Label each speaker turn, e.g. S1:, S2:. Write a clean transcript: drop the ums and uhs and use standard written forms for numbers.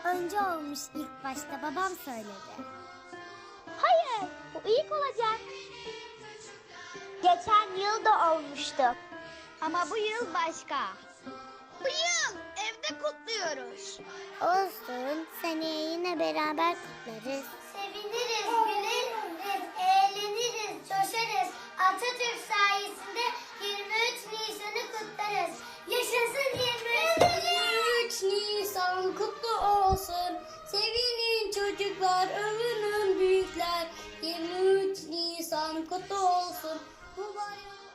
S1: önce olmuş ilk başta, babam söyledi.
S2: Hayır, bu ilk olacak. Geçen yıl da olmuştu. Ama bu yıl başka.
S3: Bu yıl evde kutluyoruz.
S1: Olsun, seneye yine beraber kutlarız.
S2: Seviniriz, güleriz, eğleniriz, coşarız. Atatürk sayesinde 23 Nisan'ı kutlarız. Yaşasın 23
S4: Nisan kutlu olsun. Sevinin çocuklar, övünün büyükler. 23 Nisan kutlu olsun. Bu bayram